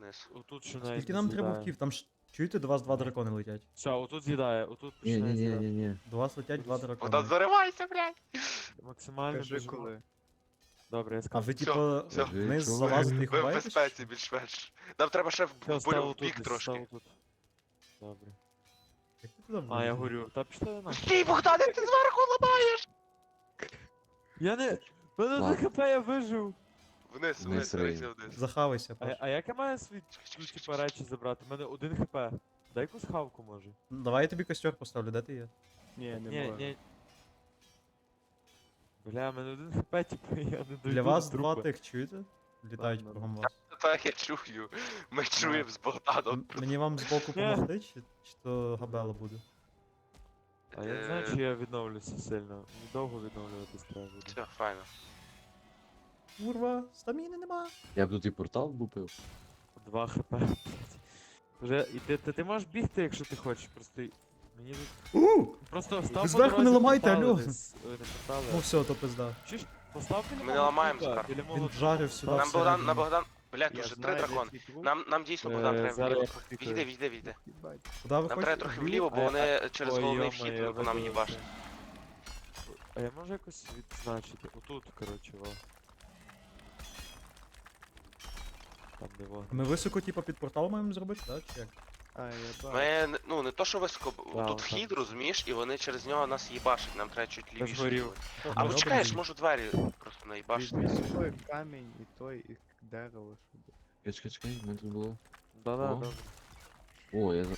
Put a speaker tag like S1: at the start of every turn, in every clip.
S1: вниз.
S2: Отут ще навіть
S3: Скільки
S2: не
S3: нам треба
S2: з'їдає.
S3: вків? Там ж чуєте, до вас два дракони летять.
S2: Все, отут з'їдає, отут
S4: Ні,
S2: починає
S4: ні, ні,
S2: з'їдати.
S4: ні, ні.
S3: До вас летять два
S1: Богдан,
S3: дракони.
S1: заривайся, блядь!
S2: Максимально
S5: Кажи
S2: біжимо.
S5: коли.
S2: Добре, я
S3: А
S2: скажу.
S3: ви
S1: Всьо,
S3: типу
S1: всьо.
S3: вниз
S4: Чого?
S3: залазите і
S1: Ви в
S3: ховаєтесь?
S1: безпеці більш-менш. Нам треба ще
S2: Все, став
S1: в бік
S2: отут,
S1: трошки.
S2: став отут. Добре.
S3: Як ти туди
S2: А, я
S3: влізеш?
S2: горю. Та пішли на.
S1: Стій, Богдане, ти зверху ламаєш!
S2: Я не... Мене
S4: Ладно.
S2: ХП, я вижив.
S1: Вниз,
S4: Вниз,
S1: вниз,
S4: Рейн.
S1: дивися вниз.
S3: Захавайся,
S2: А,
S3: Паш.
S2: а як я маю свій, ну, типа, речі забрати? У мене 1 хп. Дай якусь хавку, може.
S3: Давай я тобі костер поставлю, де ти є?
S5: Ні, не
S2: Ні,
S5: можу.
S2: ні. Бля, в мене 1 хп, типу, я не дойду
S3: Для вас
S2: до
S3: два
S2: трупа.
S3: тих, чуєте? Літають
S5: Ладно.
S3: кругом вас.
S1: Так, я чую. Ми чуємо з Богданом.
S3: Мені вам збоку помогти, чи то габела буде?
S2: А я не знаю, чи я відновлюся сильно. Мені довго відновлюватись треба буде.
S1: Все, файно.
S3: Курва, стаміни нема.
S4: Я б тут і портал бупив.
S2: 2 хп, блядь. Вже, і ти можеш бігти, якщо ти хочеш, просто... Мені тут... Просто став
S3: Ви
S2: по
S3: зверху
S2: дорозі
S3: не ламайте,
S2: портали
S3: алло.
S2: десь. Ой, не портали,
S3: Ну все, то пизда.
S2: Чуєш? Постав біля
S1: Ми
S2: мого
S1: не ламаємо
S2: трупа,
S1: зараз.
S2: біля мого
S3: Він
S2: трупа.
S3: вжарив сюди
S1: Нам Богдан,
S3: всередину.
S1: на Богдан. Блядь,
S5: Я
S1: тут же 3
S5: знаю, де
S1: дракони.
S5: твій труп.
S1: Нам дійсно Богдан треба
S2: Зараз я
S1: вліво.
S2: попікаю.
S1: Відійди, відійди, відійди.
S5: Їбать.
S3: Куди ви
S1: Нам треба
S3: хочете?
S1: трохи вліво, бо вони через
S2: Ой,
S1: головний
S2: йо-моє,
S1: вхід
S2: я
S1: по нам
S2: видавився.
S1: їбашать.
S2: А я можу якось відзначити? Отут, коротше, во. Там де во.
S3: Ми високо, типу, під портал маємо зробити, так? Чи як?
S5: А, я бачу.
S1: Ми, ну, не то, що високо,
S2: Да,
S1: тут
S2: так.
S1: вхід, розумієш, і вони через нього нас їбашать, нам треба чуть лівіше.
S2: згорів.
S1: бути.
S3: Ми
S1: Або
S3: робимо
S1: чекаєш,
S3: її?
S1: можу двері просто наїбашити.
S5: Візьми собою камінь і той, і дерево, щоб...
S4: Чекай, в мене тут було.
S2: Да-да,
S4: О.
S2: добре.
S4: О, я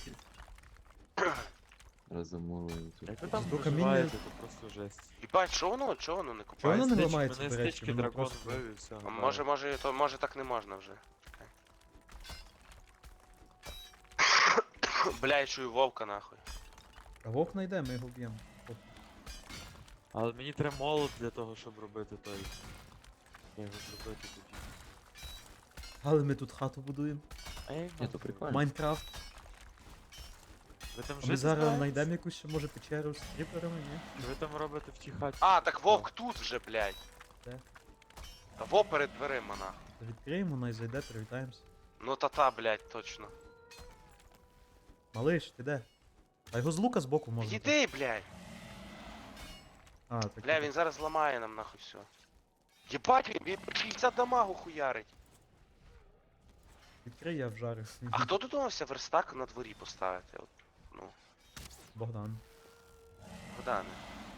S4: Раз замовив тут.
S2: Як ви там
S3: До
S2: проживаєте, то просто жесть.
S1: Їбать, що воно не
S3: Чого воно
S1: купається?
S3: не
S2: Стич-
S3: ламається,
S2: мене
S3: до речі,
S2: стички
S3: воно
S2: дракон
S3: просто-
S2: вбив і все.
S1: А може так не можна вже. Чекай. Бля, я чую вовка нахуй.
S3: А вовк найде, ми його б'ємо.
S2: Але мені треба молот для того, щоб робити той. Я його зробити тоді.
S3: Але ми тут хату будуємо.
S2: А я їх
S4: Ні, то
S2: нахуй.
S4: прикольно.
S3: Майнкрафт.
S2: Ви там
S3: А
S2: жити
S3: ми зараз
S2: збираєтесь?
S3: знайдемо якусь ще може печеру з кріперами, ні?
S2: Чи ви там робите в тій хаті?
S1: А, так вовк тут вже, блядь.
S3: Де?
S1: Та во перед дверима нахуй.
S3: Відкриємо, най зайде, привітаємося.
S1: Ну та-та, блядь, точно.
S3: Малиш, ти де? А його з лука збоку можна. так?
S1: Іди, блядь.
S3: А, так.
S1: Бля, він зараз зламає нам нахуй все. Єбать, він 60 дамагу хуярить.
S3: Відкрий, я вжарю.
S1: А хто додумався верстак на дворі поставити? От, ну,
S3: Богдан.
S1: Богдане.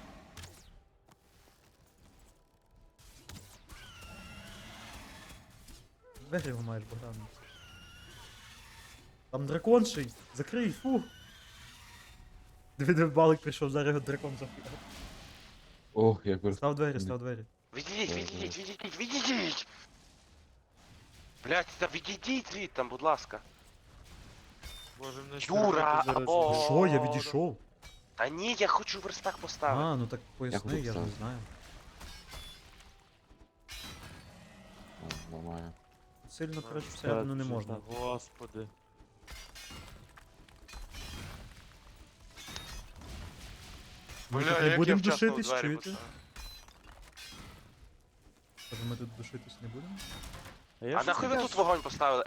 S3: Двері його маєш, Богдан. Там дракон ще й. Закрий, фу. Диви, балик прийшов, зараз його дракон захуяв.
S4: Ох, як ви...
S3: Став двері, став двері.
S1: Відійдіть, відійдіть! Блять, та відійдіть звідти там, будь ласка.
S2: Боже, мене
S1: Юра,
S2: зараз
S1: або-
S2: вже-
S3: Що, я відійшов?
S1: Та ні, я хочу верстак поставити.
S3: А, ну так поясни,
S4: хочу
S3: я ж не
S4: поставити.
S3: знаю.
S4: О, ламаю.
S3: Сильно, коротше,
S2: Та,
S3: всередину не
S2: чи-
S3: можна.
S2: та, Господи.
S3: Ми
S1: Бля,
S3: тут не
S1: як
S3: будемо
S1: я вчасно в
S3: душитись,
S1: двері
S3: чуєте?
S1: поставив.
S3: Каже, ми тут душитись не будемо?
S2: я
S1: А
S2: щось
S1: нахуй ви
S2: таке
S1: тут вогонь поставили?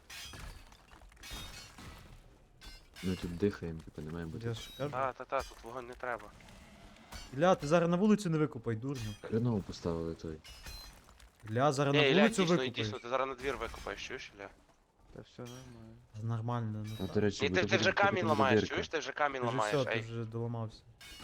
S4: Ми тут дихаємо, типу, не має бути.
S3: Я ж кажу.
S1: Та, тут вогонь не треба.
S3: Ілля, ти зараз на вулицю не викупай, дурню.
S4: Хреново поставили той.
S3: Ілля, зараз
S1: Ні,
S3: на
S1: Ілля,
S3: вулицю
S1: дійсно,
S3: викупай.
S1: дійсно, ти зараз на двір викопаєш, чуєш, Ілля?
S5: Та все нормально.
S3: Нормально, ну.
S4: А, до речі,
S1: Ні,
S4: буде
S1: ти вже
S4: потім
S1: камінь ламаєш,
S4: дирка.
S1: чуєш? Ти вже камінь
S3: Ти вже
S1: ламаєш,
S3: все, ти
S1: ей.
S3: вже доламався.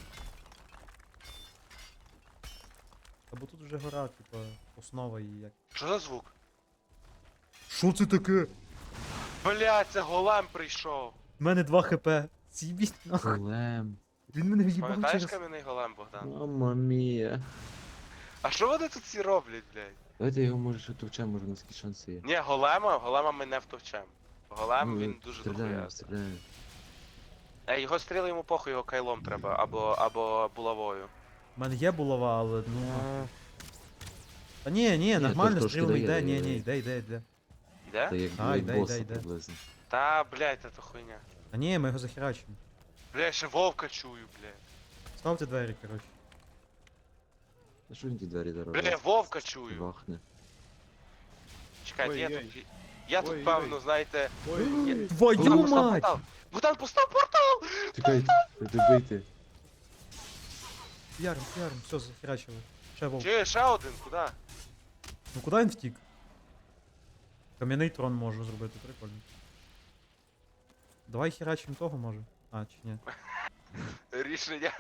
S3: Та бо тут вже гора, типа, основа і як.
S1: Що за звук?
S3: Що це таке?
S1: Блять, це голем прийшов.
S3: У мене 2 хп. З'їбіть нахуй.
S4: Голем.
S3: Він мене в'їбав
S1: Пам'ятаєш
S3: через...
S1: кам'яний голем, Богдан?
S4: Мама мія.
S1: А що вони тут всі роблять, блядь?
S4: Давайте його може ще товчемо, може у нас якісь шанси є.
S1: Ні, голема ми не втовчем. Голем, він дуже
S4: Стріляємо,
S1: дохуя.
S4: стріляємо.
S1: Його стріли йому похуй, його кайлом треба, або булавою.
S3: У мене є булава, але ну.
S2: А,
S3: Та ні, нормально,
S4: трошки
S3: стрілами
S4: дає,
S3: йде,
S4: дає.
S3: йде.
S1: Йде?
S4: Та як
S3: А,
S4: як
S3: йде,
S4: боса
S3: йде.
S4: приблизно.
S1: Та, блядь, це хуйня.
S3: А ні, ми його захерачимо.
S1: Бля, я ще вовка чую, блядь.
S3: Ставте двері, коротше.
S4: А що він ті двері
S1: Бля, я
S4: дорогу?
S1: вовка чую.
S4: Вахне.
S1: Чекайте,
S5: Ой-ой.
S1: Я тут,
S5: Ой-ой.
S1: певно, знаєте...
S5: Ой,
S3: Твою
S1: Богдан постав
S3: мать!
S1: портал! Богдан постав портал!
S4: Чекайте, добийте.
S3: Ярм, все, захерачили. Ще вовк.
S1: Чи ще один, куди?
S3: Ну куди він втік? Кам'яний трон можу зробити, прикольно. Давай херачим того може. А, чи ні?
S1: Рішення.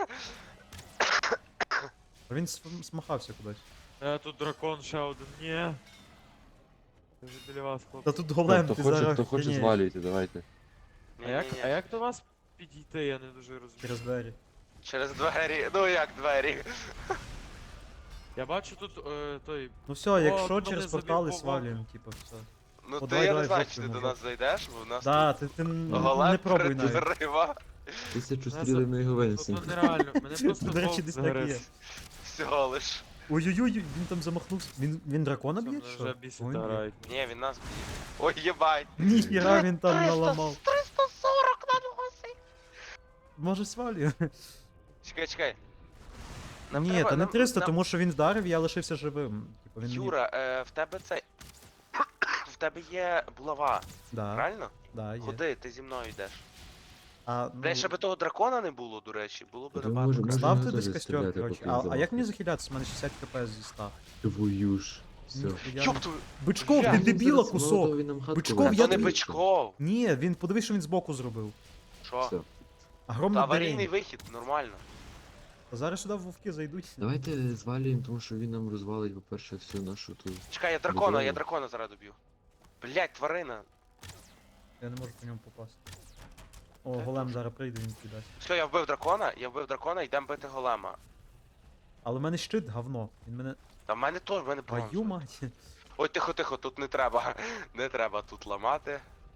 S3: А він смахався кудись.
S2: Тут дракон ще один. Ні. Я вже біля вас, хлопці.
S3: Та тут голем,
S4: Хто
S3: ти
S4: хоче,
S3: зараз
S4: хто хоче,
S3: охренеєш.
S4: звалюйте, давайте.
S2: А як до вас підійти, я не дуже розумію.
S3: Через двері.
S1: Через двері. Ну як двері?
S2: Я бачу тут той.
S3: Ну все, якщо
S2: мене
S3: через
S2: забив
S3: портали
S2: вовк.
S3: свалюємо, типу, все.
S1: Ну
S3: О,
S1: ти
S3: давай,
S1: я
S3: давай,
S1: не знаю,
S3: жовтий
S1: чи ти до
S3: може.
S1: нас зайдеш, бо в нас
S3: Да,
S1: тут
S3: ти
S1: голем
S3: не пробуй навіть.
S1: передерива.
S4: 1000
S2: Нас-
S4: стріли на його
S2: Тут
S4: винесемо.
S2: ну, нереально, мене просто
S3: До речі,
S2: вовк
S3: десь так і є.
S2: загриз.
S1: Всього лиш.
S3: Ой-ой-ой, він там замахнувся. Він дракона
S2: Це
S3: б'є?
S2: мене
S3: чи Що?
S2: вже бісить
S3: Ой, ні.
S2: грають.
S1: Ні, він нас б'є. Ой, єбать.
S3: Ніхіра він там наламав.
S1: 340 на носі.
S3: Може свалює?
S1: Чекай.
S3: Ні,
S1: треба-
S3: та не
S1: нам-
S3: 300,
S1: нам-
S3: тому що він вдарив, я лишився живим. Типу, він мені-
S1: Юра, в тебе це. В тебе є булава,
S3: Да,
S1: правильно?
S3: да, є.
S1: Ходи, ти зі мною йдеш.
S3: А,
S1: Бля, ще би того дракона не було, до речі, було б
S4: Та
S1: набагато.
S4: може-
S1: краще.
S3: ставте
S4: теж
S3: десь костер,
S4: стріляти,
S3: коротше.
S4: поки
S3: А як мені
S4: замахнеться.
S3: захилятися? У мене 60 кп зі 100.
S4: Твою ж. Все.
S3: Ніхуя
S1: Ёб
S3: не-
S1: твою.
S3: Бичков,
S1: Я
S3: ти
S1: не
S3: дебіла
S4: Зараз
S3: кусок!
S4: молотов він нам хатку
S3: Бичков,
S4: винесе.
S3: я
S1: То не
S3: тобі-
S1: бичков.
S3: Ні, він подивись, що він збоку зробив.
S1: Що?
S4: Все.
S3: Огромне
S1: Та аварійний
S3: дарення.
S1: вихід, нормально.
S3: А зараз сюди вовки зайдуть.
S4: Давайте звалюємо, тому що він нам розвалить, по-перше, всю нашу ту.
S1: Чекай, я
S4: Будово.
S1: дракона зараз доб'ю. Блять, тварина.
S3: Я не можу по ньому попасти. О, голем зараз прийде, він кидасть.
S1: Все, я вбив дракона, йдемо бити голема.
S3: Але в мене щит говно. Він мене.
S1: Та в мене теж, в мене
S3: Твою
S1: бронза.
S3: мать.
S1: Ой, тихо, тут не треба. Не треба тут ламати.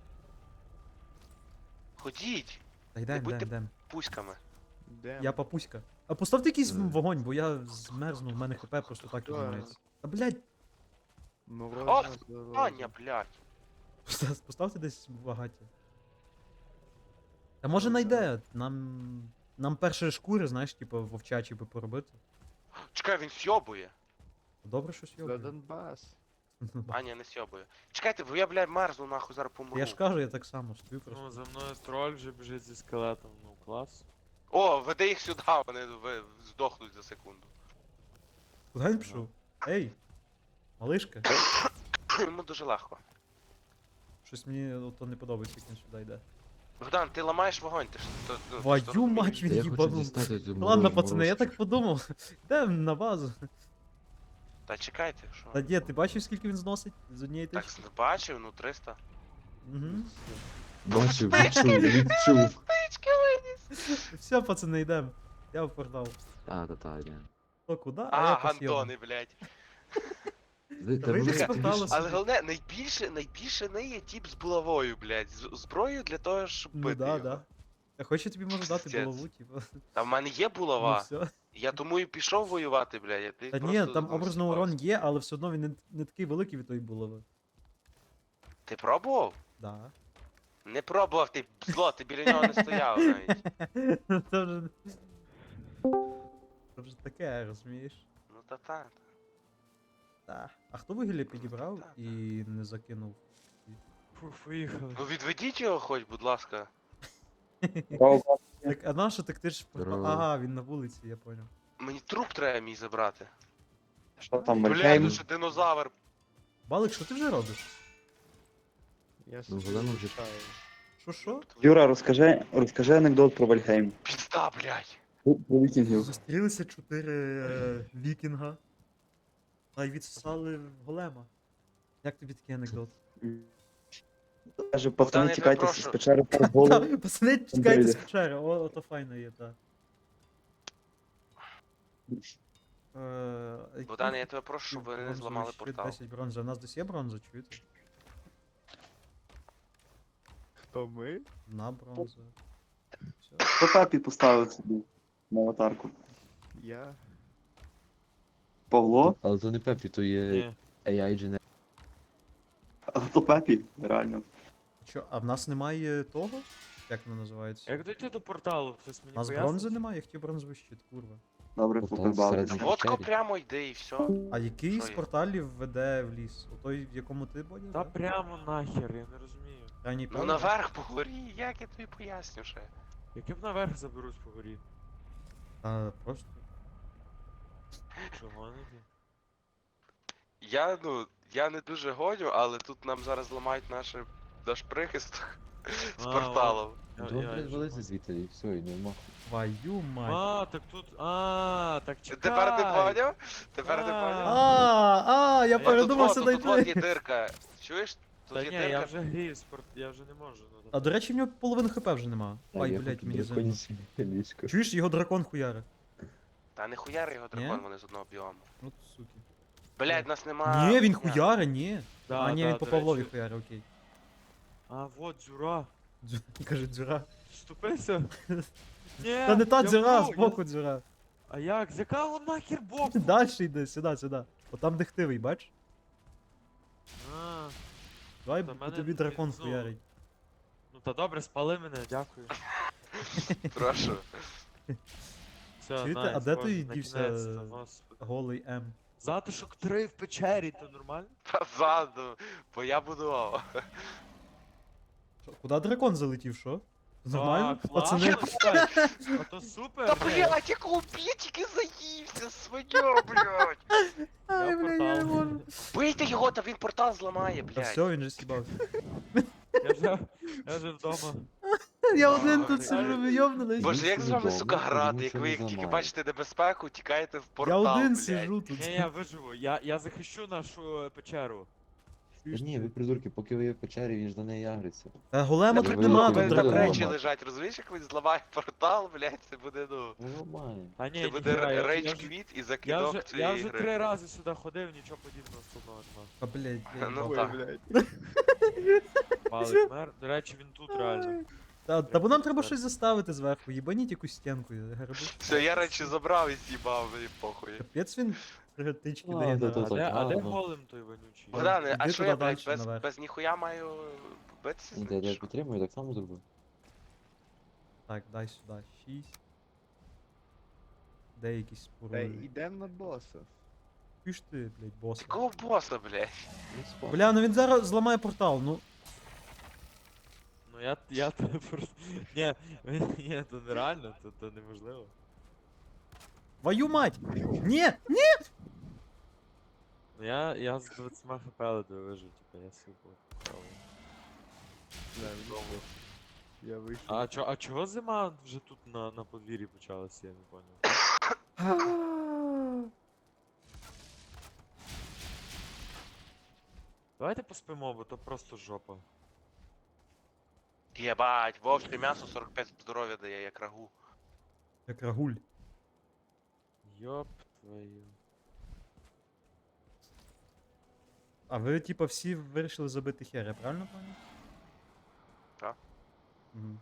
S1: Ходіть,
S3: Та йдем,
S1: будьте-
S3: йдем.
S1: пуськами.
S5: де?
S3: Я папуська. А поставте якийсь
S4: Давай.
S3: вогонь, бо я змерзну, в мене хп просто так
S5: Давай.
S3: відмається. А блядь,
S5: Морозна
S1: Аня, блядь.
S3: поставте десь багаття. Та може найде. Нам перші шкури, знаєш, типу вовчачі би поробити.
S1: Чекай, він сьобує.
S3: Добре, що
S5: За
S3: сьогодні.
S5: Донбас.
S1: Аня не сьобує. Чекайте, бо я, блядь, мерзну нахуй зараз помру.
S3: Я ж кажу, я так само стою просто.
S2: Ну, за мною троль вже біжить зі скелетом, ну клас.
S1: О, веди їх сюди, вони здохнуть за секунду.
S3: Куди він пішов? Ей! Малишка,
S1: Йому дуже легко.
S3: щось мені ото не подобається, як він сюди йде.
S1: Богдан, ти ламаєш вогонь, ти ж то.
S3: Твою мать,
S4: Та
S3: він
S4: я хочу
S3: їбанув.
S4: дістати цю
S3: Ладно,
S4: мороз-
S3: пацани, я
S4: морозку.
S3: так подумав. Йдемо на базу.
S1: Та чекайте, що?
S3: Та ні, ти бачив, скільки він зносить з однієї
S1: Так,
S3: тички?
S1: бачив, ну 300.
S3: Угу.
S4: Бачив, відчув.
S3: Все, пацани, йдемо. Я в портал.
S4: Та, ні.
S3: Хто куди?
S1: А,
S3: я по сьому.
S1: гандони, блядь.
S4: Та
S3: вийди
S4: воно
S3: з
S4: ти
S3: порталу
S4: ж-
S1: Але головне, найбільше не є тіп з булавою, блядь. Зброєю для того, щоб
S3: Ну
S1: бити
S3: да,
S1: його.
S3: да. Я хочу тобі можу дати
S1: Пиздец.
S3: булаву, типу.
S1: Та в мене є
S3: Ну
S1: булава.
S3: все.
S1: Я тому і пішов воювати, блядь. а Ти
S3: Та ні,
S1: просто
S3: там образно
S1: зіпався.
S3: урон є, але все одно він не такий великий від тої булави.
S1: Ти пробував?
S3: Да.
S1: Не пробував, ти зло, ти біля нього не стояв навіть.
S3: Це вже. Це вже таке, розумієш?
S1: Ну та.
S3: Так. А хто вугілля підібрав
S1: Так,
S3: і не закинув?
S2: Фу, поїхали.
S1: Ну відведіть його хоч, будь ласка.
S3: Так, а нащо так ти ж в портал?
S4: Здорово.
S3: Ага, він на вулиці, я поняв.
S1: Мені труп треба мій забрати.
S6: Що там,
S1: Блядь,
S6: Вальхейм?
S1: ну що динозавр.
S3: Балик, що ти вже робиш?
S5: Я
S4: Ну,
S5: собі
S4: голема вже-
S5: чаю.
S3: Що?
S6: Юра, розкажи анекдот про Вальхейм.
S1: Пізда, блядь.
S6: Про вікінгів.
S3: Зустрілися 4 вікінга. А й відсосали голема. Як тобі такий анекдот?
S6: Каже,
S1: Богдан,
S6: пацани,
S1: я
S6: тікайте
S1: тебе
S6: з
S1: прошу.
S6: печери по голову.
S3: Та, пацани, чекайте з печери, ото файно є, так.
S1: Богдан, я тебе прошу, щоб ви не зламали портал.
S3: 10 бронзи. У нас десь є бронза, чуєте?
S5: Хто ми?
S3: На бронзу. Все.
S6: Хто папі поставив собі на аватарку?
S5: Я.
S6: Павло?
S4: Але то не Пепі, то є
S2: Ні.
S4: AI Genetic.
S6: А хто папі? Реально.
S3: Що, а в нас немає того? Як воно називається?
S2: Як дойти до порталу? Хтось мені
S3: У нас
S2: пояснить?
S3: бронзи немає, я хотів бронзовий щит, курва.
S6: Добре,
S4: От там
S6: поприбали.
S4: всередині.
S1: Водко
S4: Печері.
S1: прямо йди і все.
S3: А який
S1: Що
S3: з
S1: є?
S3: порталів веде в ліс? У той, в якому ти Бодя?
S2: Та
S3: да?
S2: прямо нахер, я не розумію.
S3: Крайній
S1: Ну
S3: правий?
S1: наверх по горі, як я тобі поясню ще.
S2: Яким наверх заберусь по горі?
S3: Та просто.
S2: Що гоните?
S1: Я не дуже гоню, але тут нам зараз ламають наш прихисток з
S2: А,
S1: порталом.
S4: Дом
S2: вже
S4: валиться звідти і все, і нема.
S3: Твою мать.
S2: Так тут. так чекай.
S1: Тепер ти поняв? Тепер ти поняв?
S3: Я
S1: Тут
S3: передумався
S1: вот, тут от є
S3: дойти.
S1: дирка. Чуєш?
S2: Та
S1: Тут
S2: ні,
S1: є
S2: я
S1: дирка.
S2: вже грію спорт, я вже не можу. Ну,
S3: А до речі, в нього половини хп вже нема. Ай,
S4: я
S3: блять,
S4: хочу
S3: мені зимно.
S4: драконяче ліжко.
S3: Чуєш, його дракон хуяри.
S1: Та не хуяри його дракон,
S3: Ні?
S1: вони з одного біому.
S3: От суки.
S1: Блять, нас нема.
S3: Ні, він
S1: хуя.
S3: хуяри, ні.
S2: Да,
S3: А, ні,
S2: да,
S3: він по
S2: до
S3: Павлові
S2: речі.
S3: хуяри, окей.
S2: А, вот дзюра.
S3: Каже, дзюра.
S2: Вступився? Ні,
S3: Та не та
S2: я
S3: дзюра,
S2: вбув,
S3: збоку дзюра.
S2: А як? З якого нахер боку?
S3: Дальше йди, сюди. От там дихтивий, бач?
S2: А,
S3: Давай
S2: Та
S3: по
S2: мене
S3: тобі
S2: тут
S3: дракон
S2: знову.
S3: хуярить.
S2: ну та добре, спали мене, дякую.
S1: Прошу.
S2: Все,
S3: Чуєте,
S2: найс,
S3: а де
S2: Боже,
S3: той дівся,
S2: накінець-то, господи.
S3: Голий М.
S2: Затишок 3 в печері, то нормально?
S1: Позаду, бо я будував.
S3: Що, куди дракон залетів, що? Нормально?
S2: Так,
S3: Пацани.
S2: ладно, чекай. А то супер.
S1: Та
S2: ні.
S1: блять, я тільки заївся, свиня, блять.
S2: Я в портал.
S1: Бийте його, та він портал зламає,
S3: Та
S1: блять.
S3: все, він же сібався.
S2: Я вже вдома.
S3: Я один
S1: Ой,
S3: тут сижу,
S1: ой.
S3: ви йобнулись.
S1: Боже, як з вами,
S4: Нічого
S1: сука,
S4: не
S1: грати,
S4: зламає,
S1: як ви
S4: нічого не
S1: тільки
S4: зламає.
S1: бачите небезпеку, тікаєте в
S3: Я
S1: портал,
S3: один
S1: блядь.
S3: сижу тут.
S2: Ні, я виживу, я захищу нашу печеру.
S4: Та ні, ви придурки, поки ви є в печері, він ж до неї агриться.
S3: Та голема
S1: Та
S3: тут
S4: ви-
S3: нема,
S1: ви
S3: тут
S4: ви-
S1: там
S3: дракон.
S1: речі лежать, розумієш, як він зламає портал, блядь, це буде, ну...
S4: Ну нормально.
S2: Та ні,
S1: Це буде
S2: ніхера,
S1: рейдж
S2: я вже-
S1: квіт і
S2: я
S1: закидок
S2: вже
S1: цієї гри.
S2: 3 рази сюди ходив, нічого подібного складного нема.
S3: А, блядь, я
S1: Ну,
S3: їбав.
S5: Ой,
S1: так.
S5: блядь.
S2: Палик мер. До речі, він тут реально.
S3: Та бо нам треба щось заставити зверху, їбаніть якусь стінку, гриби.
S1: Все, я речі забрав і з'їбав, мені похуй.
S3: Капець він тички
S4: А,
S3: дає
S4: да,
S3: на...
S4: да,
S2: А де
S4: ладно.
S2: голем той вонючий?
S1: Богдане, а
S3: Іди
S1: що
S3: туди
S1: я, блядь,
S3: дальше, наверх.
S1: без ніхуя маю битися? з
S4: Де,
S1: ним,
S4: я
S1: що?
S4: підтримую, так само зробив.
S3: Так, дай сюди. 6. Де якісь
S5: Та
S3: споруди?
S5: йдем на боса.
S3: Піш ти, блядь, боса.
S1: Якого боса, блядь?
S4: Ну, спа.
S3: Бля, ну він зараз зламає портал, ну.
S2: Ну я телепорт. Ні, то нереально, то неможливо.
S3: Твою мать! Ні!
S2: Ну я з 20 хп ледве вижив, типа я супер.
S5: Да, він- Я вийшов.
S2: А чого зима вже тут на подвір'ї почалася, я не поняв. Давайте поспимо, бо то просто жопа.
S1: Єбать, вовче м'ясо 45 здоров'я дає, як рагу.
S3: Як рагуль.
S2: Йоп твою.
S3: А ви, типа, всі вирішили забити хер, я правильно пам'ятаю?
S1: Так.
S3: Угу.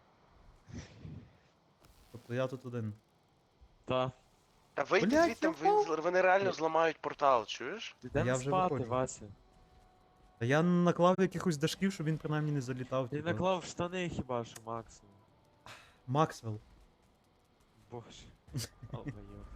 S3: Тобто я тут один.
S2: Та.
S1: Та вийди
S3: Блядь,
S1: звідти,
S3: я
S1: вони реально зламають портал, чуєш?
S3: Я
S2: Йдемо
S3: вже
S2: спати,
S3: виходжу.
S2: Вася.
S3: Та я наклав якихось дашків, щоб він принаймні не залітав.
S2: Ти
S3: типа.
S2: наклав в штани хіба що максимум.
S3: Максвелл.
S2: Боже. О, моє.